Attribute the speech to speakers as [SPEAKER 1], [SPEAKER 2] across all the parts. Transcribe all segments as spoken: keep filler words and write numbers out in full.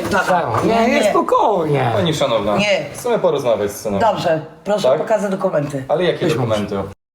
[SPEAKER 1] Dana.
[SPEAKER 2] Nie, nie, spokojnie.
[SPEAKER 3] Pani szanowna,
[SPEAKER 1] Nie.
[SPEAKER 3] chcemy porozmawiać z synem.
[SPEAKER 1] Dobrze, proszę
[SPEAKER 3] Tak?
[SPEAKER 1] pokazać dokumenty.
[SPEAKER 3] Ale jakie dokumenty?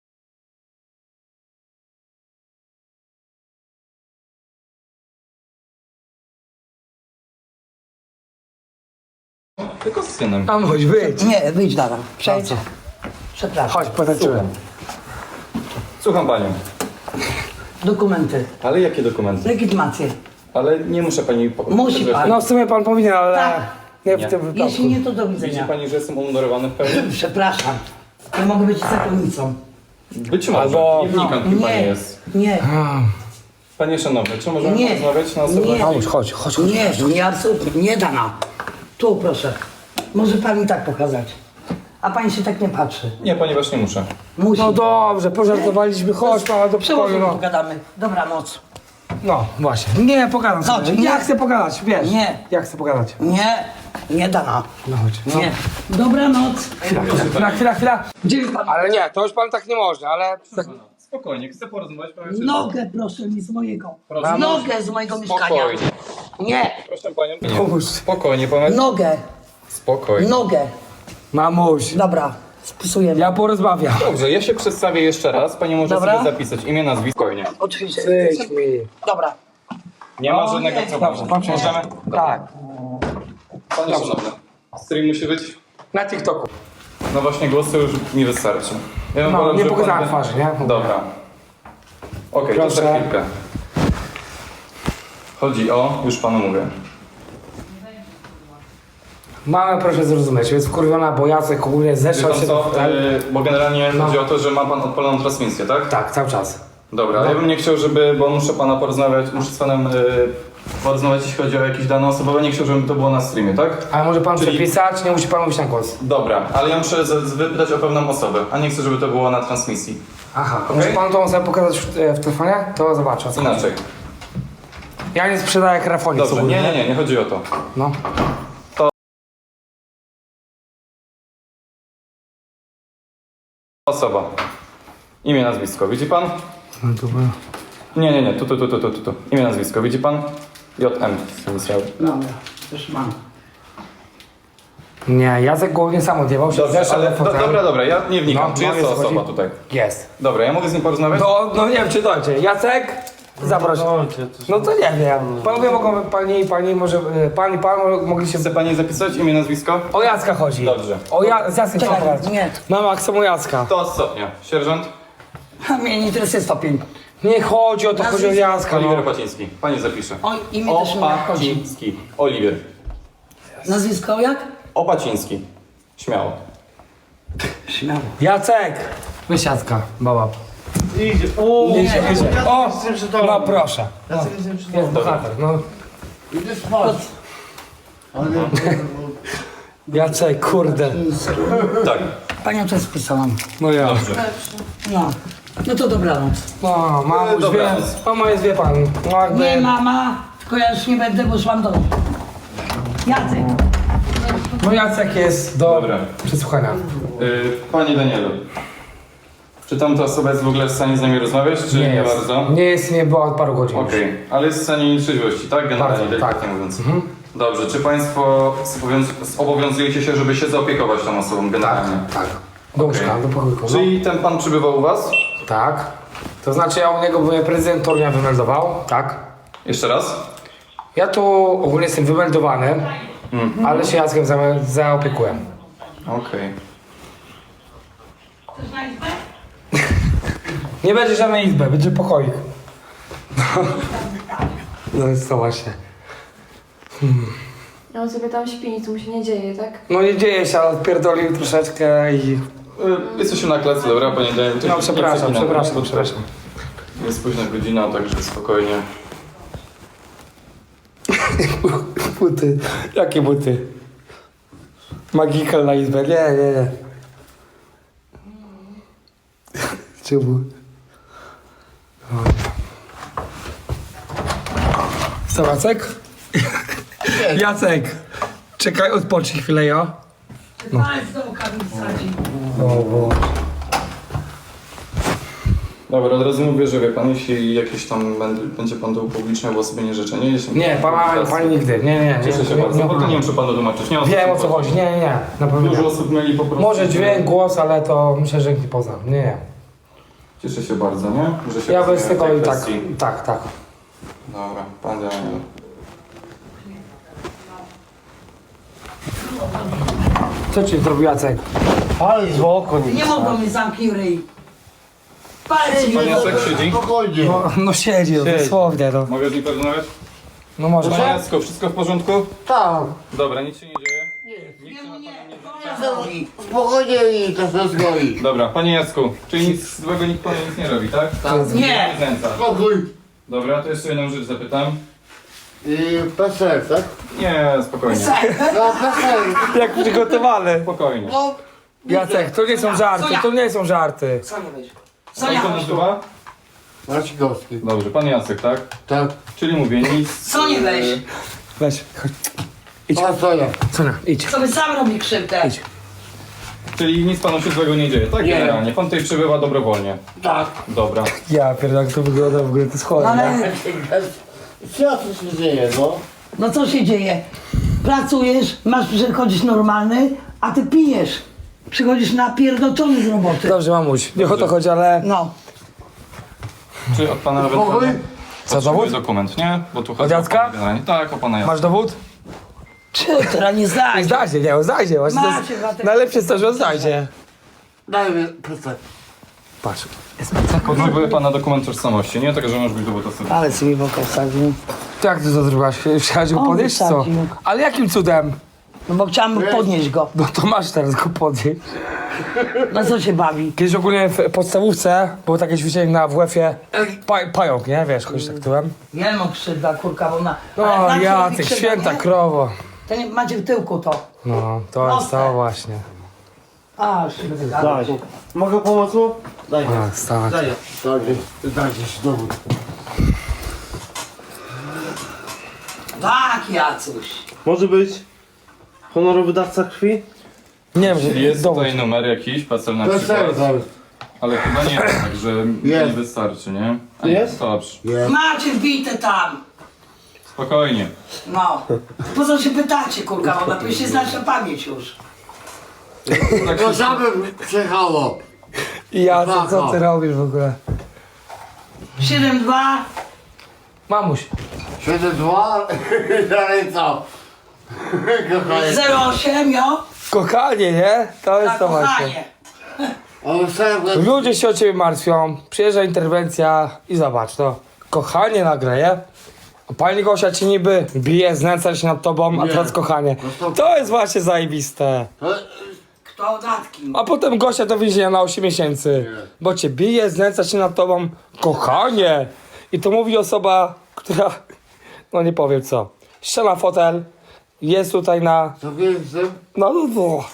[SPEAKER 3] Tylko z synem.
[SPEAKER 2] Tam chodź, wyjdź.
[SPEAKER 1] Nie, wyjdź Dana. Przejdź.
[SPEAKER 2] Co?
[SPEAKER 1] Przepraszam.
[SPEAKER 2] Chodź, potańczymy.
[SPEAKER 3] Słucham. Słucham panią.
[SPEAKER 1] Dokumenty.
[SPEAKER 3] Ale jakie dokumenty?
[SPEAKER 1] Legitymację.
[SPEAKER 3] Ale nie muszę pani... Po...
[SPEAKER 1] Musi pan.
[SPEAKER 2] No w sumie pan powinien, ale
[SPEAKER 1] Tak.
[SPEAKER 2] nie
[SPEAKER 3] Nie.
[SPEAKER 2] w tym wypadku.
[SPEAKER 1] Jeśli nie, to do
[SPEAKER 3] Widzi
[SPEAKER 1] widzenia.
[SPEAKER 3] pani, że jestem umundurowany w pełni?
[SPEAKER 1] Przepraszam. Ja mogę być zakonnicą.
[SPEAKER 3] Być może.
[SPEAKER 2] Albo-
[SPEAKER 3] Nie wnikam, kim pani
[SPEAKER 1] Nie,
[SPEAKER 3] jest.
[SPEAKER 1] nie,
[SPEAKER 3] Panie szanowny, czy możemy
[SPEAKER 1] Nie.
[SPEAKER 3] porozmawiać na osobę?
[SPEAKER 1] Nie.
[SPEAKER 2] Chodź, chodź, chodź, chodź.
[SPEAKER 1] nie, nie, absolutnie. Nie Dana. Tu proszę. Może pan mi tak pokazać. A pani się tak nie patrzy.
[SPEAKER 3] Nie, ponieważ nie muszę.
[SPEAKER 1] Musi.
[SPEAKER 2] No dobrze, pożartowaliśmy, chodź pana do
[SPEAKER 1] Przełożę,
[SPEAKER 2] pokoju, no.
[SPEAKER 1] pogadamy. Dobranoc.
[SPEAKER 2] No, właśnie. Nie, pogadam
[SPEAKER 1] Chodź,
[SPEAKER 2] sobie.
[SPEAKER 1] nie.
[SPEAKER 2] Ja chcę pogadać, wiesz.
[SPEAKER 1] Nie.
[SPEAKER 2] Ja chcę pogadać.
[SPEAKER 1] Nie, nie Dana.
[SPEAKER 2] No chodź. No.
[SPEAKER 1] Nie. Dobranoc.
[SPEAKER 2] Chwila, chwila, chwila, chwila, chwila.
[SPEAKER 1] Gdzie jest pan?
[SPEAKER 2] Ale nie, to już pan tak nie może, ale...
[SPEAKER 3] Spokojnie, chcę porozmawiać. Powiem się
[SPEAKER 1] Nogę proszę mi z mojego.
[SPEAKER 3] Proszę.
[SPEAKER 1] Nogę z mojego mieszkania.
[SPEAKER 3] Spokojnie.
[SPEAKER 1] Nie.
[SPEAKER 3] Proszę panią. Nie.
[SPEAKER 2] Pomóż.
[SPEAKER 3] Spokojnie, powiem.
[SPEAKER 1] Nogę.
[SPEAKER 3] Spokojnie.
[SPEAKER 1] Nogę.
[SPEAKER 2] Mamuś,
[SPEAKER 1] Dobra. Spisujemy.
[SPEAKER 2] ja porozmawiam.
[SPEAKER 3] Dobrze, ja się przedstawię jeszcze raz. Pani może
[SPEAKER 1] Dobra.
[SPEAKER 3] sobie zapisać imię, nazwisko. Spokojnie.
[SPEAKER 1] Oczywiście.
[SPEAKER 2] Wyjdź mi.
[SPEAKER 1] Dobra.
[SPEAKER 3] Nie ma
[SPEAKER 1] O,
[SPEAKER 3] żadnego
[SPEAKER 1] nie.
[SPEAKER 3] problemu.
[SPEAKER 2] Dobrze, pan
[SPEAKER 3] Możemy?
[SPEAKER 2] Tak,
[SPEAKER 3] Panie szanowny, stream musi być?
[SPEAKER 2] na TikToku.
[SPEAKER 3] No właśnie, głosy już mi wystarczy. Ja bym
[SPEAKER 2] No,
[SPEAKER 3] wolał,
[SPEAKER 2] nie
[SPEAKER 3] żeby
[SPEAKER 2] pokazałem
[SPEAKER 3] pan-
[SPEAKER 2] twarzy, nie?
[SPEAKER 3] Dobra. Okej, to za
[SPEAKER 2] Proszę.
[SPEAKER 3] chwilkę. Chodzi o, już panu mówię.
[SPEAKER 2] Mamę proszę zrozumieć, jest wkurwiona, bo Jacek ogólnie
[SPEAKER 3] Wie
[SPEAKER 2] zeszł
[SPEAKER 3] pan
[SPEAKER 2] się...
[SPEAKER 3] co, yy, bo generalnie
[SPEAKER 2] No.
[SPEAKER 3] chodzi o to, że ma pan odpaloną transmisję, tak?
[SPEAKER 2] Tak, cały czas.
[SPEAKER 3] Dobra, ale ja bym nie chciał, żeby, bo muszę pana porozmawiać, muszę z panem yy, porozmawiać, jeśli chodzi o jakieś dane osobowe, nie chciał, żeby to było na streamie, tak?
[SPEAKER 2] Ale może pan
[SPEAKER 3] Czyli-
[SPEAKER 2] przepisać, nie musi pan mówić na głos.
[SPEAKER 3] Dobra, ale ja muszę z- z- wypytać o pewną osobę, a nie chcę, żeby to było na transmisji.
[SPEAKER 2] Aha,
[SPEAKER 3] Okej.
[SPEAKER 2] może pan tą osobę pokazać w, e, w telefonie? To zobaczę. o co chodzi.
[SPEAKER 3] Inaczej.
[SPEAKER 2] Ja nie sprzedaję krafonik.
[SPEAKER 3] Dobrze,
[SPEAKER 2] ogólnie.
[SPEAKER 3] nie, nie, nie, nie chodzi o to.
[SPEAKER 2] No.
[SPEAKER 3] Osoba. Imię, nazwisko, widzi pan?
[SPEAKER 2] No dobra.
[SPEAKER 3] Nie, nie, nie, tu, tu, tu, tu, tu, tu, tu. Imię, nazwisko, widzi pan? J M inicjały.
[SPEAKER 1] Dobra. Już mam.
[SPEAKER 2] Nie, Jacek głównie sam odjebał się.
[SPEAKER 3] Dobrze,
[SPEAKER 2] zeszedł
[SPEAKER 3] ale
[SPEAKER 2] na
[SPEAKER 3] do,
[SPEAKER 2] fotel.
[SPEAKER 3] dobra, dobra, ja nie wnikam.
[SPEAKER 2] No,
[SPEAKER 3] Czy
[SPEAKER 2] no,
[SPEAKER 3] jest
[SPEAKER 2] jest
[SPEAKER 3] to
[SPEAKER 2] o co
[SPEAKER 3] osoba
[SPEAKER 2] chodzi.
[SPEAKER 3] tutaj?
[SPEAKER 2] Jest.
[SPEAKER 3] Dobra, ja mogę z nim porozmawiać?
[SPEAKER 2] No, no nie wiem, czy dojdzie. Jacek? Zaproś. No to nie wiem. Panowie mogą, pani i pani, może, e, pan i pan mo- mogli się...
[SPEAKER 3] Chce pani zapisać imię, nazwisko?
[SPEAKER 2] O Jacka chodzi.
[SPEAKER 3] Dobrze.
[SPEAKER 2] O ja, z Jackiem
[SPEAKER 1] Czekaj,
[SPEAKER 2] trzeba pogadać.
[SPEAKER 1] nie.
[SPEAKER 2] Mama, chcę o Jacka.
[SPEAKER 3] To stopnia. Sierżant?
[SPEAKER 1] A mnie nie interesuje stopień.
[SPEAKER 2] Nie chodzi o to, chodzi o
[SPEAKER 1] Nazwisko.
[SPEAKER 2] Jacka, no.
[SPEAKER 3] Oliwier Opaciński. Pani zapisze.
[SPEAKER 1] O imię też mi nie chodzi.
[SPEAKER 3] Opaciński. Oliwier.
[SPEAKER 1] Nazwisko jak?
[SPEAKER 3] Opaciński. Śmiało.
[SPEAKER 1] Śmiało.
[SPEAKER 2] Jacek! Weź Jacka, baba.
[SPEAKER 4] Idzie. O,
[SPEAKER 2] Idzie, idzie. O,
[SPEAKER 4] jestem przy tobie.
[SPEAKER 2] no proszę.
[SPEAKER 4] Ja jestem przy
[SPEAKER 2] Jest
[SPEAKER 4] tobie.
[SPEAKER 2] bohater, no.
[SPEAKER 4] Idę spać. Ale nie,
[SPEAKER 2] Jacek, kurde.
[SPEAKER 3] Tak.
[SPEAKER 1] Panią też spisałam.
[SPEAKER 2] No ja.
[SPEAKER 3] Dobrze.
[SPEAKER 1] No. No to dobranoc.
[SPEAKER 2] No, mama już wie.
[SPEAKER 3] Dobranoc.
[SPEAKER 2] Mama jest, wie pan. No jakby...
[SPEAKER 1] Nie mama, tylko ja już nie będę, bo już mam dom. Jacek.
[SPEAKER 2] No Jacek jest do
[SPEAKER 3] Dobra.
[SPEAKER 2] przesłuchania.
[SPEAKER 3] Y, Panie Danielu. Czy tamta osoba jest w ogóle w stanie z nami rozmawiać, czy nie,
[SPEAKER 2] jest.
[SPEAKER 3] bardzo?
[SPEAKER 2] Nie jest, nie była od paru godzin.
[SPEAKER 3] Okej, ale jest w stanie trzeźwości, tak? Generalnie,
[SPEAKER 2] Bardzo,
[SPEAKER 3] delikatnie
[SPEAKER 2] tak.
[SPEAKER 3] mówiąc. Dobrze, czy Państwo zobowiąz- zobowiązujecie się, żeby się zaopiekować tą osobą generalnie?
[SPEAKER 2] Tak. Do łóżka, do pokoju. No.
[SPEAKER 3] Czyli ten Pan przybywał u Was?
[SPEAKER 2] Tak. To znaczy ja u niego byłem prezydent Torunia wymeldował, tak.
[SPEAKER 3] Jeszcze raz?
[SPEAKER 2] Ja tu ogólnie jestem wymeldowany, ale się Jackiem za, zaopiekuję.
[SPEAKER 3] Okej.
[SPEAKER 2] Nie będzie żadnej izby, będzie pokoik. No, no jest to właśnie.
[SPEAKER 5] No on sobie tam śpi, nic mu się nie dzieje, tak?
[SPEAKER 2] No nie dzieje się, ale odpierdolił troszeczkę i...
[SPEAKER 3] Y, Jesteśmy na klatce, dobra, Panie Danielu? To
[SPEAKER 2] No
[SPEAKER 3] się nie
[SPEAKER 2] przepraszam,
[SPEAKER 3] przepinamy,
[SPEAKER 2] przepraszam,
[SPEAKER 3] bo
[SPEAKER 2] przepraszam.
[SPEAKER 3] Jest późna godzina, także spokojnie.
[SPEAKER 2] Buty. Jakie buty? Magical na izbę. Nie, nie, nie. Czemu? Co, Jacek? Jacek! Czekaj, odpocznij chwilę, ja.
[SPEAKER 1] Palec do oka mi wsadzi.
[SPEAKER 2] O, bo...
[SPEAKER 3] Dobra, od razu mówię, że wie pan, jeśli jakieś tam będę, będzie pan to upubliczniał, bo sobie nie życzę, nie? Jeśli
[SPEAKER 2] Nie, pana, pani nigdy, nie, nie, nie.
[SPEAKER 3] Cieszę się
[SPEAKER 2] nie,
[SPEAKER 3] bardzo,
[SPEAKER 2] nie,
[SPEAKER 3] bo to nie muszę panu tłumaczyć. Nie
[SPEAKER 2] Wiem o co chodzi, nie, nie, nie, na pewno
[SPEAKER 3] Dużo
[SPEAKER 2] nie.
[SPEAKER 3] osób mieli po prostu...
[SPEAKER 2] Może dźwięk, głos, ale to myślę, że nikt nie pozna, nie, nie.
[SPEAKER 3] Cieszę się bardzo, nie? Że się
[SPEAKER 2] Ja bez
[SPEAKER 3] rozumiem
[SPEAKER 2] tego
[SPEAKER 3] tej
[SPEAKER 2] i tak,
[SPEAKER 3] kwestii.
[SPEAKER 2] tak, tak.
[SPEAKER 3] Dobra, pan Daniel.
[SPEAKER 2] Co ci zrobił Jacek?
[SPEAKER 4] Ale z oko nie
[SPEAKER 1] Nie mogą mi zamknij ryj. Palec mi
[SPEAKER 3] Pan Jacek siedzi?
[SPEAKER 4] Spokojnie.
[SPEAKER 2] No, no siedzi, no, dosłownie, no.
[SPEAKER 3] Mogę z nim porozmawiać?
[SPEAKER 2] No może.
[SPEAKER 3] Panie Jacku, wszystko w porządku?
[SPEAKER 4] Tak.
[SPEAKER 3] Dobra, nic się nie dzieje?
[SPEAKER 4] Spokojnie i to się zgoi.
[SPEAKER 3] Dobra, panie Jacku, czyli nic złego nikt panu nic nie robi, tak?
[SPEAKER 4] Tak.
[SPEAKER 1] Nie.
[SPEAKER 3] Znęca.
[SPEAKER 4] Spokój.
[SPEAKER 3] Dobra, to jeszcze jedną rzecz zapytam.
[SPEAKER 4] I P S L, tak?
[SPEAKER 3] Nie, spokojnie.
[SPEAKER 4] No P S L.
[SPEAKER 2] Jak przygotowany.
[SPEAKER 3] Spokojnie.
[SPEAKER 4] No.
[SPEAKER 2] Jacek, to nie są żarty, to nie są żarty.
[SPEAKER 1] Sonia weź.
[SPEAKER 3] Jak
[SPEAKER 1] Sonia,
[SPEAKER 3] to nazywa?
[SPEAKER 4] Marcikowski.
[SPEAKER 3] Dobrze, pan Jacek, tak?
[SPEAKER 4] Tak.
[SPEAKER 3] Czyli mówię, nic...
[SPEAKER 1] Sonia weź.
[SPEAKER 2] Weź, chodź. Idź.
[SPEAKER 4] A co ja?
[SPEAKER 2] Sonia, idź.
[SPEAKER 1] Sobie sam robi krzywdę.
[SPEAKER 2] Idź.
[SPEAKER 3] Czyli nic panu się złego nie dzieje, tak?
[SPEAKER 4] Nie.
[SPEAKER 3] Generalnie. Pan tutaj przybywa dobrowolnie.
[SPEAKER 4] Tak.
[SPEAKER 3] Dobra.
[SPEAKER 2] Ja pierdolę, jak to wygląda w ogóle, to jest chore, nie?
[SPEAKER 1] Ale
[SPEAKER 4] Co tu się dzieje, no?
[SPEAKER 1] no co się dzieje? Pracujesz, masz przychodzić normalny, a ty pijesz. Przychodzisz napierdolony z roboty.
[SPEAKER 2] Dobrze, mamuś, nie o to chodzi, ale...
[SPEAKER 1] No.
[SPEAKER 3] Czy od pana
[SPEAKER 4] Spokój.
[SPEAKER 3] ewentualnie...
[SPEAKER 2] Co,
[SPEAKER 3] Potrzebuję
[SPEAKER 2] dowód?
[SPEAKER 3] dokument, nie? Bo tu chodzi
[SPEAKER 2] Od Jacka?
[SPEAKER 3] o pana generalnie. Tak, o pana Jacka.
[SPEAKER 2] Masz dowód?
[SPEAKER 1] Czy teraz nie zdać?
[SPEAKER 2] Znajdzie, nie, on znajdzie, właśnie to
[SPEAKER 1] Macie,
[SPEAKER 2] jest
[SPEAKER 1] Bartek.
[SPEAKER 2] najlepsze jest to, że on znajdzie.
[SPEAKER 4] Daj mi P S L.
[SPEAKER 2] Patrz.
[SPEAKER 3] Potrzebuję pana dokument tożsamości, nie? Tak, że może być dowód osobisty.
[SPEAKER 1] Ale sobie w oko wsadził.
[SPEAKER 2] To jak ty to zrobiłaś? Chciałaś go
[SPEAKER 1] On
[SPEAKER 2] podnieść, co?
[SPEAKER 1] wysadził.
[SPEAKER 2] Ale jakim cudem?
[SPEAKER 1] No bo chciałam podnieść go.
[SPEAKER 2] No to masz teraz go podnieść.
[SPEAKER 1] Na co się bawi?
[SPEAKER 2] Kiedyś ogólnie w podstawówce było takie ćwiczenie na W F-ie pa, pająk, nie? Wiesz, chodzisz tak tyłem.
[SPEAKER 1] Ja mam krzywda, kurka, bo na...
[SPEAKER 2] No
[SPEAKER 1] ale na co robi
[SPEAKER 2] Jacek,
[SPEAKER 1] krzywda,
[SPEAKER 2] święta
[SPEAKER 1] nie?
[SPEAKER 2] krowo.
[SPEAKER 1] To nie macie w tyłku to.
[SPEAKER 2] No, to jest
[SPEAKER 1] Proste.
[SPEAKER 2] to właśnie.
[SPEAKER 1] A, szybko gadać.
[SPEAKER 4] Daj. Mogę pomóc mu? Daj.
[SPEAKER 2] A, tak.
[SPEAKER 4] Daj. Daj. Dajcie się dowód.
[SPEAKER 1] Tak, Jacuś.
[SPEAKER 6] Może być honorowy dawca krwi?
[SPEAKER 2] Nie wiem,
[SPEAKER 3] Czyli
[SPEAKER 2] że
[SPEAKER 3] jest
[SPEAKER 2] dowód.
[SPEAKER 3] tutaj numer jakiś, PESEL na
[SPEAKER 4] P S L
[SPEAKER 3] przykład.
[SPEAKER 4] zaraz.
[SPEAKER 3] Ale chyba nie, także nie
[SPEAKER 4] Jest.
[SPEAKER 3] wystarczy, nie? A
[SPEAKER 6] Jest?
[SPEAKER 3] Dobrze,
[SPEAKER 4] Jest.
[SPEAKER 1] Macie wbite tam.
[SPEAKER 3] spokojnie.
[SPEAKER 1] No. Po co się pytacie, kurka, bo lepiej się znać na pamięć już.
[SPEAKER 3] Tak
[SPEAKER 4] To
[SPEAKER 3] się...
[SPEAKER 4] samym przyjechało.
[SPEAKER 2] Jacek, co ty robisz w ogóle?
[SPEAKER 1] siedem dwa.
[SPEAKER 2] Mamuś,
[SPEAKER 4] siedem dwa. Dalej co? Kochanie.
[SPEAKER 1] zero osiem, jo?
[SPEAKER 2] kochanie, nie? To jest
[SPEAKER 1] Na
[SPEAKER 2] to właśnie.
[SPEAKER 1] kochanie.
[SPEAKER 4] Ale sam
[SPEAKER 2] Ludzie się o ciebie martwią, przyjeżdża interwencja i zobacz, to kochanie nagle, nie? A pani Gosia ci niby bije, znęca się nad tobą, a
[SPEAKER 4] Nie.
[SPEAKER 2] teraz kochanie. To jest właśnie zajebiste.
[SPEAKER 1] Kto datki?
[SPEAKER 2] A potem Gosia do więzienia na osiem miesięcy. Bo cię bije, znęca się nad tobą, kochanie. I to mówi osoba, która, no nie powiem co, ściana fotel, jest tutaj na,
[SPEAKER 4] Co więcej?
[SPEAKER 2] no no no.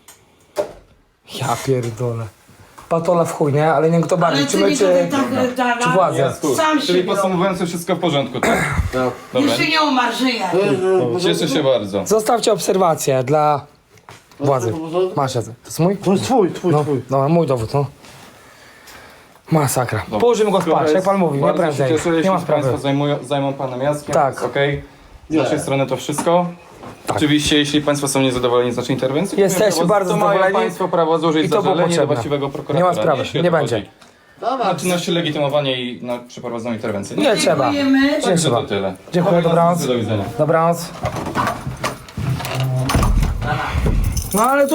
[SPEAKER 2] Ja pierdolę. Patola w chuj, nie? Ale nie wiem kto bardziej,
[SPEAKER 1] Ale
[SPEAKER 2] czy
[SPEAKER 1] ty
[SPEAKER 2] my,
[SPEAKER 1] mi
[SPEAKER 2] czy,
[SPEAKER 1] tutaj tak tak,
[SPEAKER 2] czy władze?
[SPEAKER 3] Jasku.
[SPEAKER 1] Sam
[SPEAKER 3] Czyli
[SPEAKER 1] się
[SPEAKER 3] podsumowując, to wszystko w porządku, tak?
[SPEAKER 4] Tak.
[SPEAKER 3] Dobra.
[SPEAKER 1] Jeszcze nie umarł, żyje.
[SPEAKER 3] Cieszę się bardzo.
[SPEAKER 2] Zostawcie obserwację dla władzy. Masz Jacek. To jest mój?
[SPEAKER 6] To jest twój, twój,
[SPEAKER 2] No,
[SPEAKER 6] twój.
[SPEAKER 2] no mój dowód, no. Masakra.
[SPEAKER 3] Dobra.
[SPEAKER 2] Położymy go
[SPEAKER 3] Skoro
[SPEAKER 2] spać, jak
[SPEAKER 3] jest-
[SPEAKER 2] pan mówi, nie
[SPEAKER 3] bardzo się
[SPEAKER 2] prędzej.
[SPEAKER 3] Cieszę,
[SPEAKER 2] Nie
[SPEAKER 3] jeśli
[SPEAKER 2] ma
[SPEAKER 3] Państwo
[SPEAKER 2] sprawy.
[SPEAKER 3] zajmują, zajmą panem Jackiem.
[SPEAKER 2] Tak.
[SPEAKER 3] Okej. Z
[SPEAKER 4] Nie.
[SPEAKER 3] naszej strony to wszystko. Oczywiście, jeśli Państwo są niezadowoleni z naszej interwencji,
[SPEAKER 2] Jesteśmy
[SPEAKER 3] to
[SPEAKER 2] bardzo
[SPEAKER 3] to mają
[SPEAKER 2] zadowoleni
[SPEAKER 3] Państwo prawo złożyć
[SPEAKER 2] i to było
[SPEAKER 3] zażalenie do
[SPEAKER 2] potrzebne.
[SPEAKER 3] właściwego prokuratora.
[SPEAKER 2] Nie ma sprawy,
[SPEAKER 3] jeśli o
[SPEAKER 2] nie
[SPEAKER 3] to
[SPEAKER 2] będzie.
[SPEAKER 3] chodzi.
[SPEAKER 4] Dobra.
[SPEAKER 3] Na czynności legitymowania i na przeprowadzoną interwencję.
[SPEAKER 2] Nie trzeba.
[SPEAKER 1] Dziękujemy.
[SPEAKER 2] Nie
[SPEAKER 3] Także
[SPEAKER 2] trzeba.
[SPEAKER 3] to tyle.
[SPEAKER 2] Dziękuję,
[SPEAKER 3] Dobrej
[SPEAKER 2] dobranoc.
[SPEAKER 3] nocy, Do widzenia.
[SPEAKER 2] Dobranoc. No ale to